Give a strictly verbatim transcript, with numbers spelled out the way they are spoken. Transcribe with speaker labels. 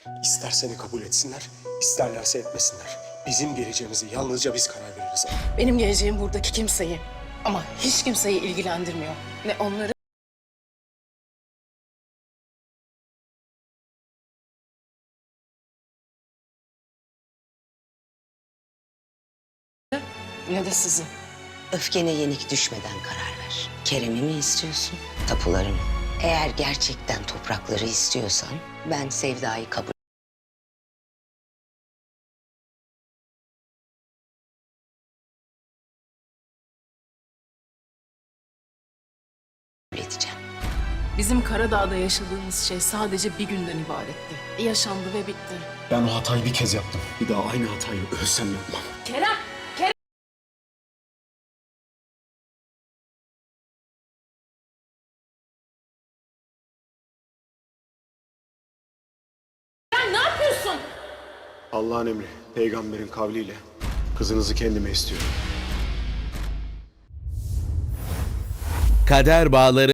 Speaker 1: İster seni kabul etsinler, isterlerse etmesinler. Bizim geleceğimizi yalnızca biz karar veririz.
Speaker 2: Benim geleceğim buradaki kimseyi ama hiç kimseyi ilgilendirmiyor. Ne onları ne de sizi.
Speaker 3: Öfkene yenik düşmeden karar ver. Kerem'i mi istiyorsun, tapuları mı? Eğer gerçekten toprakları istiyorsan ben Sevda'yı kabul edeceğim.
Speaker 2: Bizim Karadağ'da yaşadığımız şey sadece bir günden ibaretti. Yaşandı ve bitti.
Speaker 1: Ben o hatayı bir kez yaptım. Bir daha aynı hatayı ölsem yapmam.
Speaker 2: Kerem! Kerem! Sen ne yapıyorsun?
Speaker 1: Allah'ın emri, peygamberin kavliyle kızınızı kendime istiyorum.
Speaker 4: Kader Bağları